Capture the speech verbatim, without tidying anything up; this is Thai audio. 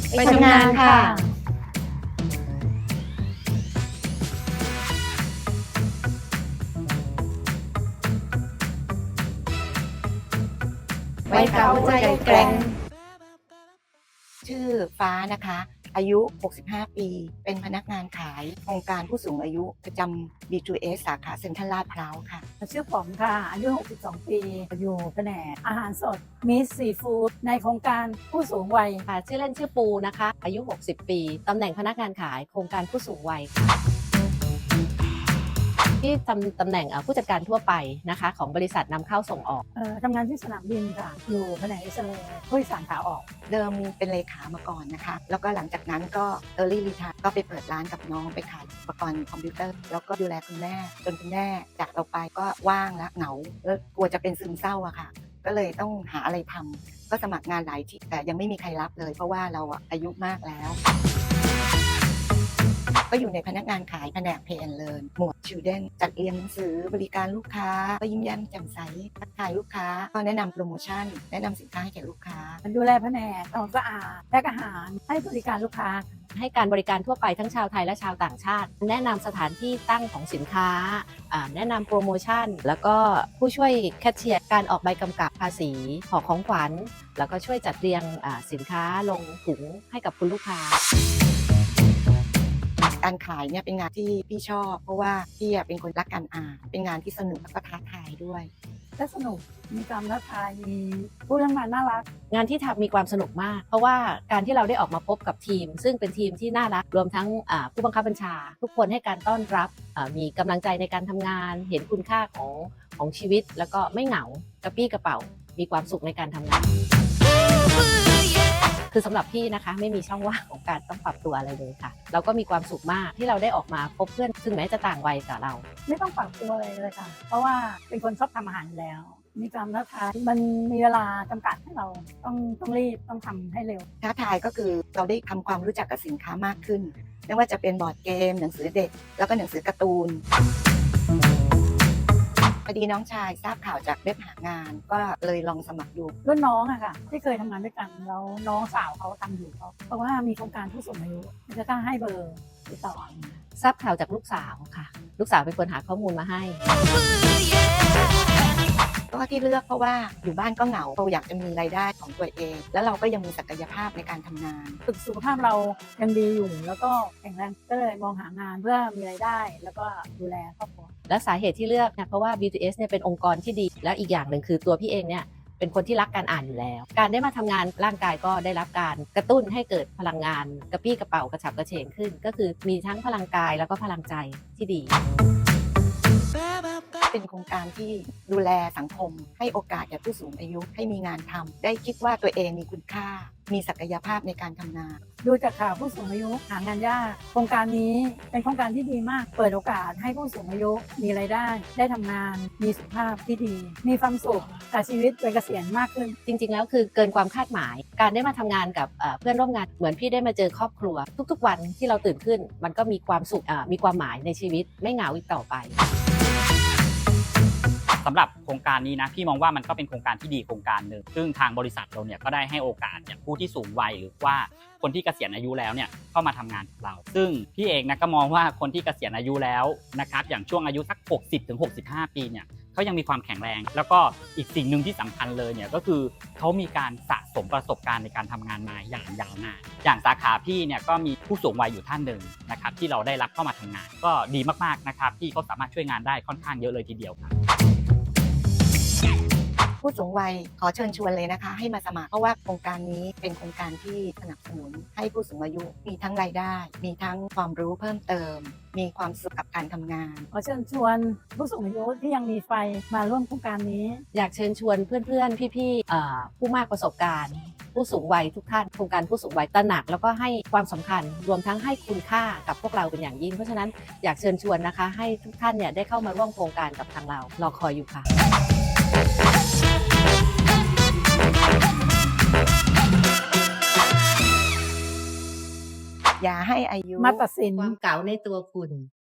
ไปทำงานค่ะวัยเก่าใจแกร่งชื่อฟ้านะคะ อายุ หกสิบห้า ปี เป็นพนักงานขายโครงการผู้สูงอายุประจำ บี ทู เอส สาขาเซ็นทรัลลาดพร้าวค่ะชื่อป๋อมค่ะ อายุ หกสิบสอง ปี อยู่แผนกอาหารสดมิสซีฟู้ดในโครงการผู้สูงวัยค่ะชื่อเล่นชื่อปูนะคะ อายุ หกสิบ ปี ตำแหน่งพนักงานขายโครงการผู้สูงวัยค่ะที่ทำตำแหน่งผู้จัดการทั่วไปนะคะของบริษัทนำเข้าส่งออกเอ่อทำงานที่สนามบินค่ะ อยู่แผนกเอ็กซเรย์ผู้โดยสารขาออกเดิมเป็นเลขามาก่อนนะคะ แล้วก็หลังจากนั้นก็ Early Retire ก็ไปเปิดร้านกับน้องไปขายอุปกรณ์คอมพิวเตอร์ แล้วก็ดูแลคุณแม่จนคุณแม่จากเราไปก็ว่างและเหงาแล้วกลัวจะเป็นซึมเศร้าอะค่ะ ก็เลยต้องหาอะไรทำก็สมัครงานหลายที่แต่ยังไม่มีใครรับเลย เพราะว่าเราอายุมากแล้วก็อยู่ในพนักงานขายแผนก Pay and Learn หมวด Children จัดเรียนหนังสือบริการลูกค้าก็ยิ้มแย้มแจ่มใสทักทายลูกค้าก็แนะนำโปรโมชั่นแนะนำสินค้าให้แก่ลูกค้าดูแลแผนกทำความสะอาดแพ็คอาหารให้บริการลูกค้าให้การบริการทั่วไปทั้งชาวไทยและชาวต่างชาติแนะนำสถานที่ตั้งของสินค้าแนะนำโปรโมชั่นแล้วก็ผู้ช่วยแคชเชียร์การออกใบกำกับภาษีห่อของขวัญแล้วก็ช่วยจัดเรียงสินค้าลงถุงให้กับคุณลูกค้าการขายเนี่ยเป็นงานที่พี่ชอบเพราะว่าพี่เป็นคนรักการอ่านเป็นงานที่สนุกและก็ท้าทายด้วยและสนุกมีความท้าทายมีผู้ทำงานน่ารักงานที่ทำมีความสนุกมากเพราะว่าการที่เราได้ออกมาพบกับทีมซึ่งเป็นทีมที่น่ารักรวมทั้งผู้บังคับบัญชาทุกคนให้การต้อนรับมีกำลังใจในการทำงานเห็นคุณค่าของของชีวิตแล้วก็ไม่เหงากระปี้กระเป๋ามีความสุขในการทำงานคือสำหรับพี่นะคะไม่มีช่องว่างของการต้องปรับตัวอะไรเลยค่ะเราก็มีความสุขมากที่เราได้ออกมาพบเพื่อนซึ่งแม้จะต่างวัยกับเราไม่ต้องปรับตัวอะไรเลยค่ะเพราะว่าเป็นคนชอบทำอาหารอยู่แล้วมีความท้าทายมันมีเวลาจำกัดให้เราต้องต้องรีบต้องทำให้เร็วท้าทายก็คือเราได้ทำความรู้จักกับสินค้ามากขึ้นไม่ว่าจะเป็นบอร์ดเกมหนังสือเด็กแล้วก็หนังสือการ์ตูนพอดีน้องชายทราบข่าวจากเว็บหางานก็เลยลองสมัครดูรุ่นน้องอะค่ะที่เคยทำงานด้วยกันแล้วน้องสาวเขาทำอยู่เขาเพราะว่ามีโครงการผู้สูงอายุจะต้องให้เบอร์ติดต่อทราบข่าวจากลูกสาวค่ะลูกสาวเป็นคนหาข้อมูลมาให้ก็ที่เลือกเพราะว่าอยู่บ้านก็เหงาเราอยากจะมีรายได้ของตัวเองแล้วเราก็ยังมีศักยภาพในการทำงานฝึกสุขภาพเรายังดีอยู่แล้วก็แข็งแรงก็เลยมองหางานเพื่อมีรายได้แล้วก็ดูแลครอบครัวและสาเหตุที่เลือกเนี่ยเพราะว่า บี ทู เอส เนี่ยเป็นองค์กรที่ดีและอีกอย่างหนึ่งคือตัวพี่เองเนี่ยเป็นคนที่รักการอ่านอยู่แล้วการได้มาทำงานร่างกายก็ได้รับการกระตุ้นให้เกิดพลังงานกระปี้กระเป๋ากระฉับกระเฉงขึ้นก็คือมีทั้งพลังกายแล้วก็พลังใจที่ดีเป็นโครงการที่ดูแลสังคมให้โอกาสแก่ผู้สูงอายุให้มีงานทำได้คิดว่าตัวเองมีคุณค่ามีศักยภาพในการทำงานดูจากข่าวผู้สูงอายุหางานยากโครงการนี้เป็นโครงการที่ดีมากเปิดโอกาสให้ผู้สูงอายุมีรายได้ได้ทำงานมีสุขภาพที่ดีมีความสุขกับชีวิตวัยเกษียณมากขึ้นจริงๆแล้วคือเกินความคาดหมายการได้มาทำงานกับเพื่อนร่วมงานเหมือนพี่ได้มาเจอครอบครัวทุกๆวันที่เราตื่นขึ้นมันก็มีความสุขมีความหมายในชีวิตไม่เหงาอีกต่อไปสำหรับโครงการนี้นะพี่มองว่ามันก็เป็นโครงการที่ดีโครงการหนึ่งซึ่งทางบริษัทเราเนี่ยก็ได้ให้โอกาสอย่างผู้ที่สูงวัยหรือว่าคนที่เกษียณอายุแล้วเนี่ยเข้ามาทำงานกับเราซึ่งพี่เองนะก็มองว่าคนที่เกษียณอายุแล้วนะครับอย่างช่วงอายุสัก หกสิบถึงหกสิบห้า ปีเนี่ยเขายังมีความแข็งแรงแล้วก็อีกสิ่งหนึ่งที่สำคัญเลยเนี่ยก็คือเขามีการสะสมประสบการณ์ในการทำงานมาอย่างยาวนานอย่างสาขาพี่เนี่ยก็มีผู้สูงวัยอยู่ท่านหนึ่งนะครับที่เราได้รับเข้ามาทำงานก็ดีมากๆนะครับที่เขาสามารถช่วยงานได้ค่อนข้างเยอะเลยทีเดียวครับผู้สูงวัยขอเชิญชวนเลยนะคะให้มาสมัครเพราะว่าโครงการนี้เป็นโครงการที่สนับสนุนให้ผู้สูงอายุมีทั้งรายได้มีทั้งความรู้เพิ่มเติมมีความสุขกับการทำงานขอเชิญชวนผู้สูงอายุที่ยังมีไฟมาร่วมโครงการนี้อยากเชิญชวนเพื่อนๆพี่ๆผู้มากประสบการณ์ผู้สูงวัยทุกท่านโครงการผู้สูงวัยตระหนักแล้วก็ให้ความสำคัญรวมทั้งให้คุณค่ากับพวกเราเป็นอย่างยิ่งเพราะฉะนั้นอยากเชิญชวนนะคะให้ทุกท่านเนี่ยได้เข้ามาร่วมโครงการกับทางเรารอคอยอยู่ค่ะอย่าให้อายุมาตัดสินความเก๋าในตัวคุณ